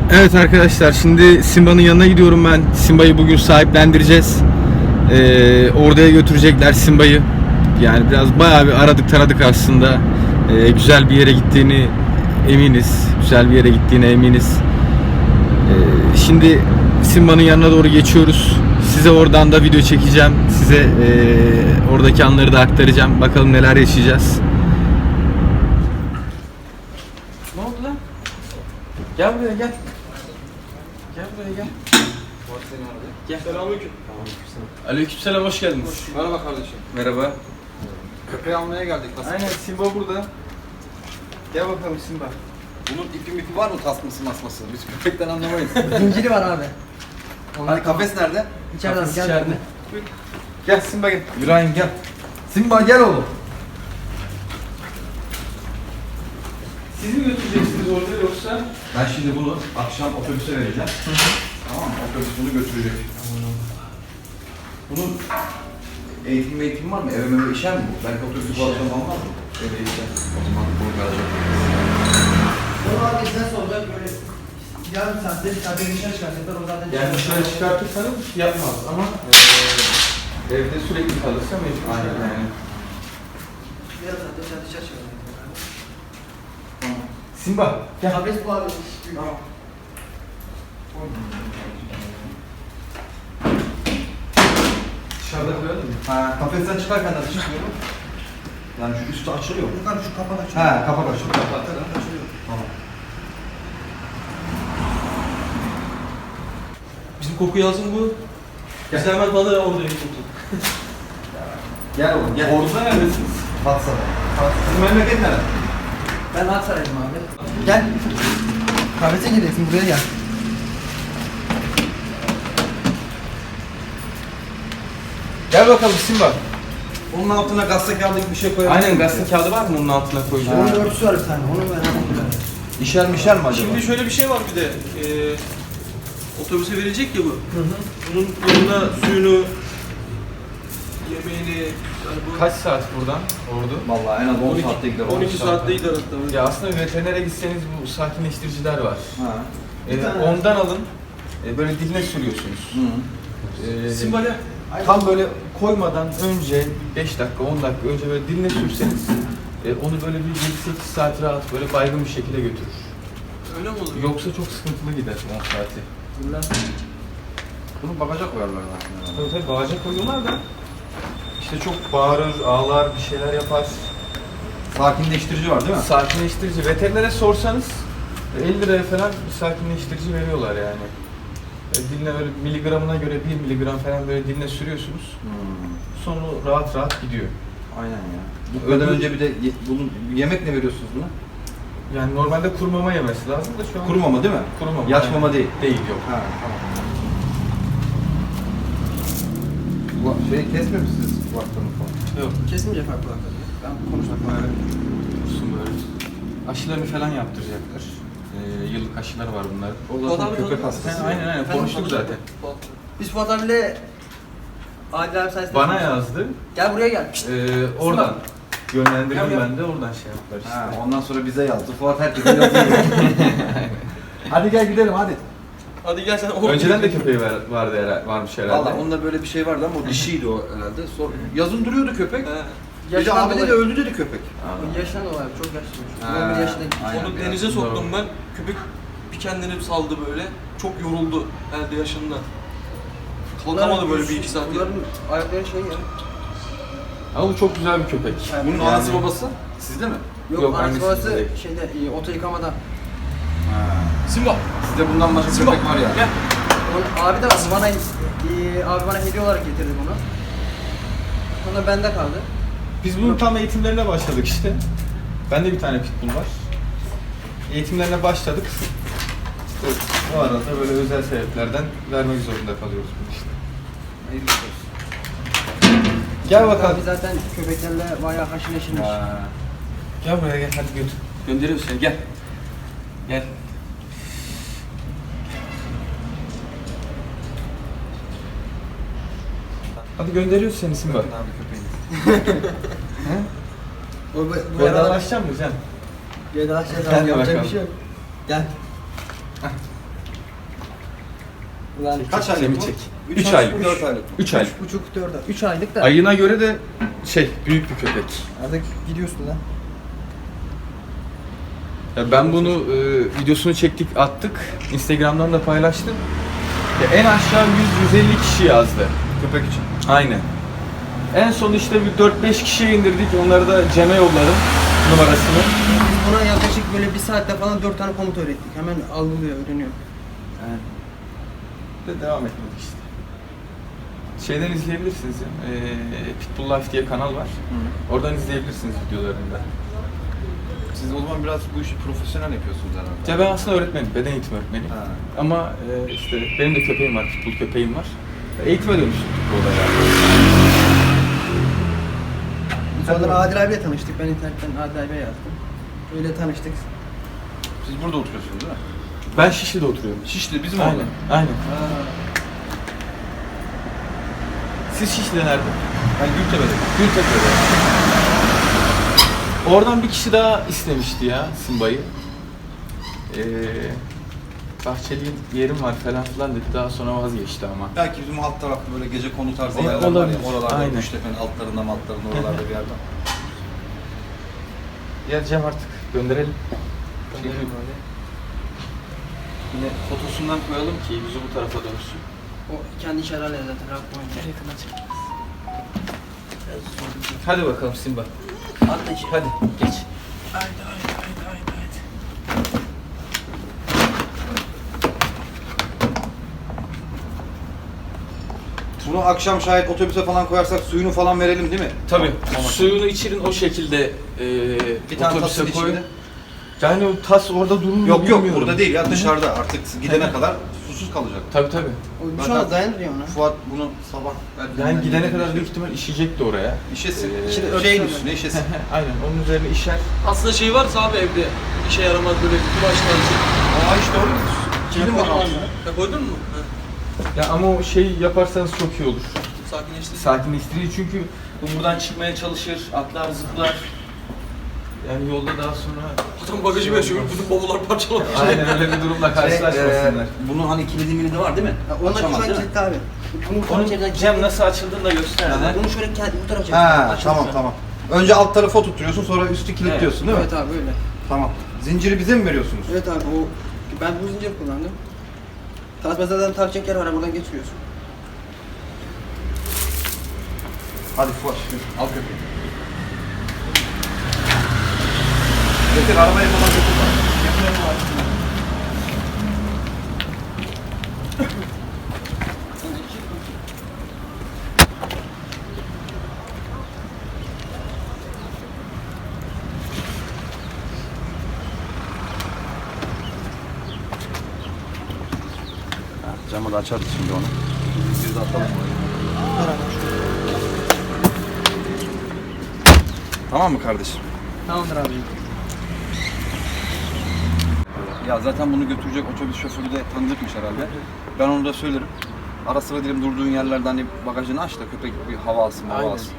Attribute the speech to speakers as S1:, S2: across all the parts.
S1: Evet arkadaşlar, şimdi Simba'nın yanına gidiyorum ben. Simba'yı bugün sahiplendireceğiz. Oraya götürecekler Simba'yı. Yani biraz bayağı bir aradık taradık aslında. Güzel bir yere gittiğini eminiz. Güzel bir yere gittiğine eminiz. Şimdi Simba'nın yanına doğru geçiyoruz. Size oradan da video çekeceğim. Size oradaki anları da aktaracağım. Bakalım neler yaşayacağız. Ne oldu lan? Gel buraya gel. Gel buraya gel. Gel.
S2: Selamünaleyküm.
S1: Aleykümselam, hoş geldiniz.
S2: Merhaba kardeşim.
S1: Merhaba.
S2: Köpeği almaya geldik. Nasıl?
S1: Aynen, Simba burada. Gel bakalım Simba.
S2: Bunun ipi var mı, tasması masması? Biz köpekten anlamayız.
S3: Zinciri var abi.
S2: Hani kafes nerede?
S3: İçeriden
S1: Kafes
S3: gel.
S1: içeride. Gel Simba gel.
S2: İbrahim gel. Simba gel oğlum.
S1: Siz mi götüreceksiniz orada yoksa?
S2: Ben şimdi bunu akşam otobüse vereceğim. Tamam mı? Otobüs bunu götürecek. Bunun eğitim var mı? Eve meve işer mi bu? Belki otobüsü bu akşam almaz mı? Eve işer. O zaman bunu verecek.
S3: Bunu abi nasıl olacak böyle yarım saatte bir saatte dışarı çıkartacaklar o zaten.
S1: Yani dışarı çıkartırsanız bir şey yapmaz ama evde sürekli kalırsa mecbur.
S2: Aynen.
S1: Yani.
S3: Yarım saatte dışarı çıkartacaklar.
S1: Simba gel.
S3: Kafes bu abi.
S2: Tamam.
S1: Dışarıda koyalım mı?
S2: Ha, kafesten çıkarken nasıl çıkıyorum? Yani şu üstü açılıyor mu?
S3: Yukarı şu kapak açıyor.
S2: Ha, kapak açılıyor.
S3: Kapak açılıyor.
S2: Tamam.
S4: Bizim koku yazın bu. Biz hemen balığı orada yapıyorduk.
S2: Gel oğlum, gel.
S1: Orada neredesiniz?
S2: Fatsa'da. Sizin memleket nerede?
S3: Ben Aksaray'ım abi. Gel. Kafese gireceksin buraya gel.
S1: Gel bakalım Simba.
S2: Onun altına gazete kağıdı gibi bir şey koyalım.
S1: Aynen, gazete kağıdı var mı onun altına koyacağım?
S3: Onun örtüsü var bir tane. Onu ben hemen
S2: İşer mi acaba?
S4: Şimdi şöyle bir şey var bir de. Otobüse verilecek ya bu. Bunun yanına suyunu, yemeğini, yani bu
S1: Kaç saat buradan ordu?
S2: Vallahi en az 10 saatte gider.
S4: 12 saatte gider hatta.
S1: Ya aslında veterinere gitseniz bu sakinleştiriciler var.
S2: Ha.
S1: Ondan alın. Böyle diline sürüyorsunuz.
S2: Hı.
S4: Simba gel.
S1: Tam böyle koymadan önce 5 dakika 10 dakika önce böyle diline sürseniz onu böyle bir 7-8 saat rahat böyle baygın bir şekilde götürür.
S4: Öyle mi olur?
S1: Yoksa çok sıkıntılı gider 10 saati.
S2: Bunu bagaja koyarlar zaten.
S1: Tabii bağaca koyuyorlar da işte çok bağırır, ağlar, bir şeyler yapar.
S2: Sakinleştirici var değil mi?
S1: Sakinleştirici. Veterinere sorsanız 50 liraya falan bir sakinleştirici veriyorlar yani. Diline böyle miligramına göre 1 miligram falan böyle diline sürüyorsunuz. Sonra rahat rahat gidiyor.
S2: Aynen ya. Gitmeden önce bir de bunun yemek ne veriyorsunuz buna?
S1: Yani normalde kuru mama yemesi lazım da şu an
S2: Kuru mama değil mi?
S1: kuru mama.
S2: Yaş
S1: yani.
S2: mama değil.
S1: Değil, yok.
S2: Ha, tamam. Kesmiyor musunuz kulaklarını falan?
S1: Yok.
S3: Kesmeyecek abi kulakları. Ben konuşmak var.
S1: Dursun böyle. Aşılarını falan yaptıracaklar. Yıllık aşıları var bunlar.
S2: O zaten köpek hastası.
S1: Aynen konuştuk zaten.
S3: Biz Fuat abiyle Adil abi sayesinde...
S1: Bana yazdı.
S3: Gel buraya gel.
S1: Oradan yönlendirdim
S3: Yap.
S1: ben de oradan şey yaptılar işte.
S2: Ha, ondan sonra bize yazdı. Fuat herkese yazıyor. Hadi gel gidelim hadi.
S4: Hadi gel sen orada.
S1: Önceden de köpeği vardı herhalde, varmış herhalde.
S2: Valla onda böyle bir şey vardı ama o dişiydi o herhalde. Yazın duruyordu köpek.
S4: He.
S2: Bir de
S3: Yaşından
S2: abi dedi
S3: dolayı.
S2: öldü dedi köpek.
S3: Yaşından dolayı çok yaşlıymış.
S2: Ha,
S3: 11 yaşında gitmiş.
S2: aynen.
S4: Onu
S2: biraz.
S4: denize soktum
S1: Doğru.
S4: ben. Köpek bir kendini saldı böyle. Çok yoruldu elde yaşında. Kalkamadı böyle bir iki saat.
S3: Bunların ayakları şey ya.
S1: Ama bu çok güzel bir köpek.
S2: Bunun
S1: Yani-
S2: anası babası sizde mi?
S3: Yok,
S1: Yok,
S3: annesi
S1: annesi
S3: babası
S1: değil.
S3: şeyde oto yıkamada.
S4: Simba.
S2: Sizde bundan başka
S4: Simba.
S2: köpek var ya.
S4: Gel.
S3: Onun abi de var. Abi bana hediye olarak getirdi bunu. Sonra bende kaldı.
S1: Biz bunun tam eğitimlerine başladık işte. Bende bir tane pitbull var. Eğitimlerine başladık. İşte o arada böyle özel sebeplerden vermek zorunda kalıyoruz bunu işte.
S2: Hayırlısı olsun.
S1: Gel bakalım.
S3: Abi zaten köpeklerle bayağı haşır neşirmiş.
S1: Gel buraya gel, hadi götür.
S4: Gönderiyoruz seni gel.
S1: Gel. Hadi gönderiyoruz seni Simba.
S2: Bakın abi köpeğiniz.
S3: Bu yaralar
S1: Vedalaşacak mısın Can?
S3: vedalaşacağız
S1: Gel
S3: abi yapacak
S1: bakalım.
S3: bir şey yok. Gel. Ulan
S2: Kaç aylık
S1: Cem'i
S2: bu?
S1: çek.
S2: 3
S1: Üç
S2: aylık,
S1: aylık.
S2: 4 aylık.
S1: 3 aylık.
S3: 3,5-4 3 aylık da.
S1: Ayına göre de büyük bir köpek.
S3: Artık gidiyorsun lan.
S1: Ya ben bunu videosunu çektik, attık. Instagram'dan da paylaştım. Ya en aşağı 100-150 kişi yazdı.
S2: Köpek için.
S1: Aynen. En son işte bir 4-5 kişiye indirdik. Onları da Cem'e yolladım numarasını.
S3: Biz buna yaklaşık böyle 1 saatte falan 4 tane komut öğrettik. Hemen algılıyor, öğreniyor.
S1: Evet. De devam etmedik işte. Şeyden izleyebilirsiniz ya. Pitbull Life diye kanal var. Oradan izleyebilirsiniz videolarını da.
S2: Siz o zaman biraz bu işi profesyonel yapıyorsunuz herhalde.
S1: Ya ben aslında öğretmenim, beden eğitimi öğretmeniyim.
S2: Ha.
S1: Ama işte benim de köpeğim var, pitbull köpeğim var. Eğitime dönüştük bu olaya.
S3: Sonra Adil abiyle tanıştık. Ben internetten Adil abiye yazdım. Öyle tanıştık.
S2: Siz burada oturuyorsunuz değil mi?
S1: Ben Şişli'de oturuyorum.
S2: Şişli bizim
S1: Aynen,
S2: orada.
S1: aynen. Siz Şişli'de nerede?
S2: Ben Gültepe'de.
S1: Gültepe'de. Oradan bir kişi daha istemişti ya Simba'yı. Bahçeli yerim var falan filan dedi. Daha sonra vazgeçti ama.
S2: Belki bizim alt tarafta böyle gece konu tarzı
S1: Olabilir.
S2: yerler var ya. Oralarda,
S1: Aynen.
S2: Gültepe'nin altlarında oralarda bir yerde.
S1: Ya Cem artık gönderelim. Çünkü yine fotosundan koyalım ki yüzü bu tarafa dönsün.
S3: O kendi işaretlerle zaten rahat oynuyor.
S1: Hadi bakalım Simba.
S3: Atla işi.
S1: Hadi geç.
S3: Haydi.
S2: Bunu akşam şayet otobüse falan koyarsak suyunu falan verelim değil mi?
S1: Tabii.
S2: Tamam.
S1: Suyunu içirin o şekilde
S2: Bir tane
S1: otobüse
S2: tasın
S1: koy.
S2: içinde.
S1: Yani o tas orada durur mu
S2: Yok
S1: bilmiyorum.
S2: burada değil ya dışarıda artık gidene kadar susuz kalacak.
S1: Tabii tabii.
S3: O şu an dayanmıyor ona.
S2: Fuat bunu sabah
S1: Yani gidene kadar büyük ihtimal işeyecek de oraya.
S2: işesin.
S3: İşte
S2: Şeyin
S3: öyle
S2: üstüne işesin.
S1: Aynen onun üzerine işer.
S4: Aslında şey varsa abi evde işe yaramaz böyle kumaş tarzı.
S2: Aa işte öyle. Kilim var altında.
S4: Ya koydun mu?
S1: Ya ama o şey yaparsanız çok iyi olur.
S4: Sakinleştir.
S1: Sakinleştirici çünkü bu buradan çıkmaya çalışır, atlar, zıplar. Yani yolda daha sonra...
S4: Adam bagajı yaşıyor, bütün bavullar parçalamış.
S1: Aynen öyle bir durumla karşılaşmasınlar.
S2: Bunun hani kilidi var değil mi?
S3: Ona şu
S2: Açamaz
S3: an
S2: değil mi?
S3: kilitli abi. Bunu
S1: Onun
S3: içeriden
S1: Cem nasıl açıldığını da göster.
S3: Bunu şöyle kendi bu tarafa çek.
S2: Ha
S3: Açılıyor.
S2: tamam. Önce alt tarafı oturtuyorsun sonra üstü kilitliyorsun değil mi?
S3: Evet abi öyle.
S2: Tamam. Zinciri bize mi veriyorsunuz?
S3: Evet abi o ben bu zincir kullandım. Tasmazadan takacak yer var buradan geçiriyorsun.
S2: Hadi Fuat al köpeği. Getir arabaya falan götür bak. Camı da açarız şimdi onu. Biz de atalım oraya. Tamam mı kardeşim?
S3: Tamamdır abi.
S2: Ya zaten bunu götürecek otobüs şoförü de tanıdıkmış herhalde. Ben onu da söylerim. Ara sıra diyelim durduğun yerlerden hani bagajını aç da köpek bir hava alsın, hava alsın.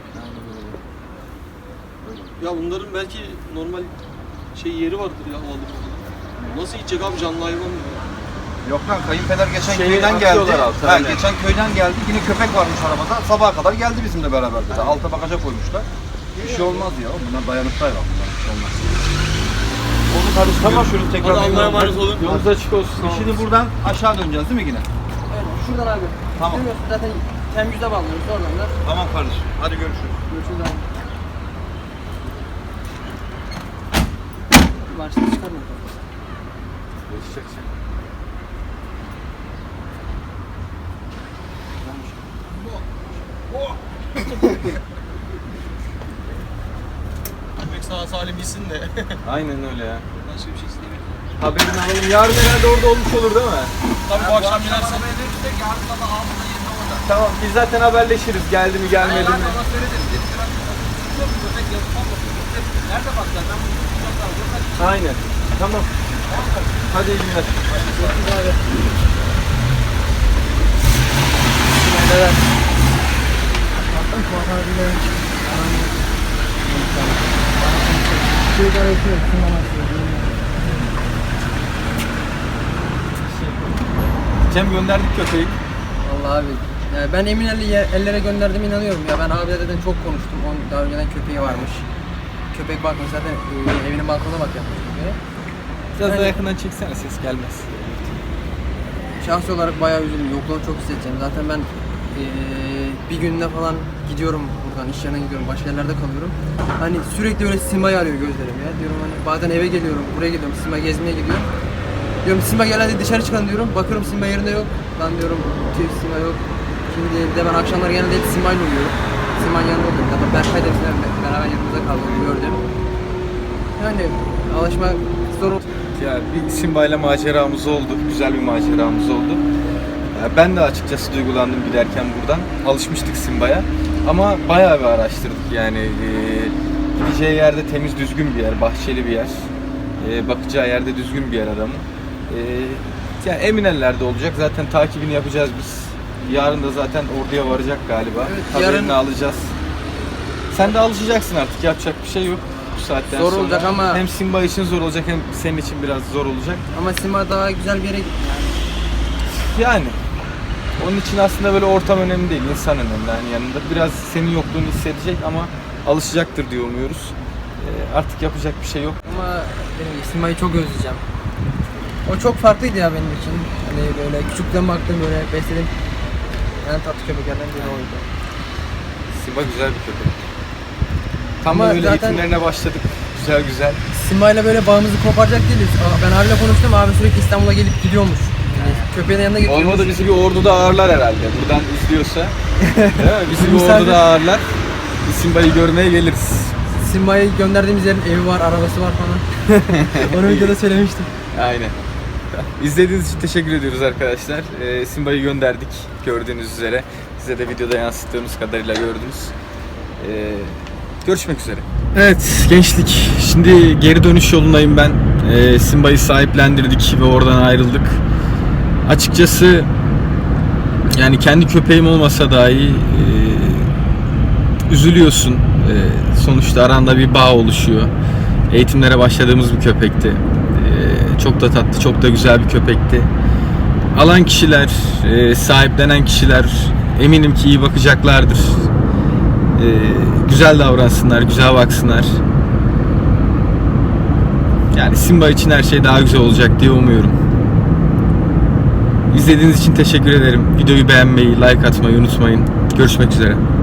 S4: Ya bunların belki normal şey yeri vardır ya havalı. Nasıl gidecek abi canlı hayvan mı?
S2: Yok lan kayınpeder geçen
S1: Şeyi
S2: köyden geldi.
S1: atıyorlar alta,
S2: Ha,
S1: öyle.
S2: geçen köyden geldi. Yine köpek varmış arabada. Sabaha kadar geldi bizimle beraber dedi. Alta bagaja koymuşlar. Bir şey olmaz ya. Bunlar dayanıklı hayvan. Bunlar bir şey olmaz. Onu karıştır.
S1: Tamam.
S2: Görüşürüz tekrar.
S4: Hadi Allah'a emanet olun.
S1: Yolunuz açık olsun.
S2: Şimdi buradan aşağı döneceğiz değil mi yine?
S3: Evet şuradan abi.
S2: Tamam.
S3: Görüyorsun zaten temizde bağlanıyoruz oradan da.
S2: Tamam kardeşim. Hadi görüşürüz.
S3: Görüşürüz abi. Başta çıkarmıyor.
S4: Köpek sağ salim gitsin de.
S1: Aynen öyle ya.
S4: Başka bir şey istemiyorum.
S1: Haberini alalım. Yarın herhalde orada olmuş olur değil mi?
S4: Tabii bu akşam binersen.
S1: Tamam biz zaten haberleşiriz. Geldi mi gelmedi mi?
S3: Nerede bak zaten?
S1: Aynen. Tamam. Hadi iyi günler.
S3: Neler?
S1: Cem gönderdik köpeği.
S3: Vallahi abi. Yani ben emin ellere gönderdiğime inanıyorum ya. Ben abiyle zaten çok konuştum. Onun daha önceden köpeği varmış. Köpek bakmış zaten evinin balkonuna bak yapmış köpeğe.
S1: Biraz
S3: Yani-
S1: daha yakından çeksene, ses gelmez.
S3: Şahsi olarak bayağı üzüldüm. Yokluğunu çok hissedeceğim. Zaten ben bir günde falan gidiyorum buradan, iş yerine gidiyorum, başka yerlerde kalıyorum. Hani sürekli böyle Simba'yı arıyor gözlerim ya. Diyorum hani bazen eve geliyorum, buraya geliyorum, Simba gezmeye gidiyorum. Diyorum Simba gel hadi dışarı çıkalım diyorum. Bakıyorum Simba yerinde yok. Lan diyorum tüh Simba yok. Şimdi de ben akşamlar genelde hep Simba'yla uyuyorum. Simba'nın yanında oluyorum. Zaten Berkay da bizimle beraber yanımızda kaldı, gördüm. Yani alışmak zor oldu.
S1: Ya bir Simba ile maceramız oldu. Güzel bir maceramız oldu. Ben de açıkçası duygulandım giderken buradan. Alışmıştık Simba'ya. Ama bayağı bir araştırdık yani. Gideceği yerde temiz, düzgün bir yer, bahçeli bir yer. Bakacağı yerde düzgün bir yer adamın. Yani emin ellerde olacak. Zaten takibini yapacağız biz. Yarın da zaten orduya varacak galiba.
S3: Evet,
S1: Haberini
S3: yarın-
S1: alacağız. Sen de alışacaksın artık. Yapacak bir şey yok. Bu saatten
S3: Zor
S1: sonra.
S3: olacak ama-
S1: Hem Simba için zor olacak hem senin için biraz zor olacak.
S3: Ama Simba daha güzel bir yere gitti yani.
S1: Yani onun için aslında böyle ortam önemli değil, insan önemli yani yanında. Biraz senin yokluğunu hissedecek ama alışacaktır diye umuyoruz. Artık yapacak bir şey yok.
S3: Ama benim Simba'yı çok özleyeceğim. O çok farklıydı ya benim için. Hani böyle küçükten baktım böyle besledim. En tatlı köpeklerden biri oydu.
S1: Simba güzel bir köpek. Tam
S3: Ama
S1: da böyle
S3: zaten-
S1: eğitimlerine başladık. Güzel güzel.
S3: Simba'yla böyle bağımızı koparacak değiliz. Ben abiyle konuştum, abi sürekli İstanbul'a gelip gidiyormuş. Yani köpeğin yanına getiriyormuş.
S1: Olmadı bizi bir orduda ağırlar herhalde. Buradan izliyorsa. Değil mi? Bizi bir
S3: Misafir-
S1: orduda ağırlar. Biz Simba'yı görmeye geliriz.
S3: Simba'yı gönderdiğimiz yerin evi var, arabası var falan. Onu videoda söylemiştim.
S1: Aynen. İzlediğiniz için teşekkür ediyoruz arkadaşlar. Simba'yı gönderdik gördüğünüz üzere. Size de videoda yansıttığımız kadarıyla gördünüz. Görüşmek üzere. Evet gençlik. Şimdi geri dönüş yolundayım ben. Simba'yı sahiplendirdik ve oradan ayrıldık. Açıkçası yani kendi köpeğim olmasa dahi üzülüyorsun. Sonuçta aranda bir bağ oluşuyor. Eğitimlere başladığımız bir köpekti. Çok da tatlı, çok da güzel bir köpekti. Alan kişiler, sahiplenen kişiler eminim ki iyi bakacaklardır. Güzel davransınlar, güzel baksınlar. Yani Simba için her şey daha güzel olacak diye umuyorum. İzlediğiniz için teşekkür ederim. Videoyu beğenmeyi, like atmayı unutmayın. Görüşmek üzere.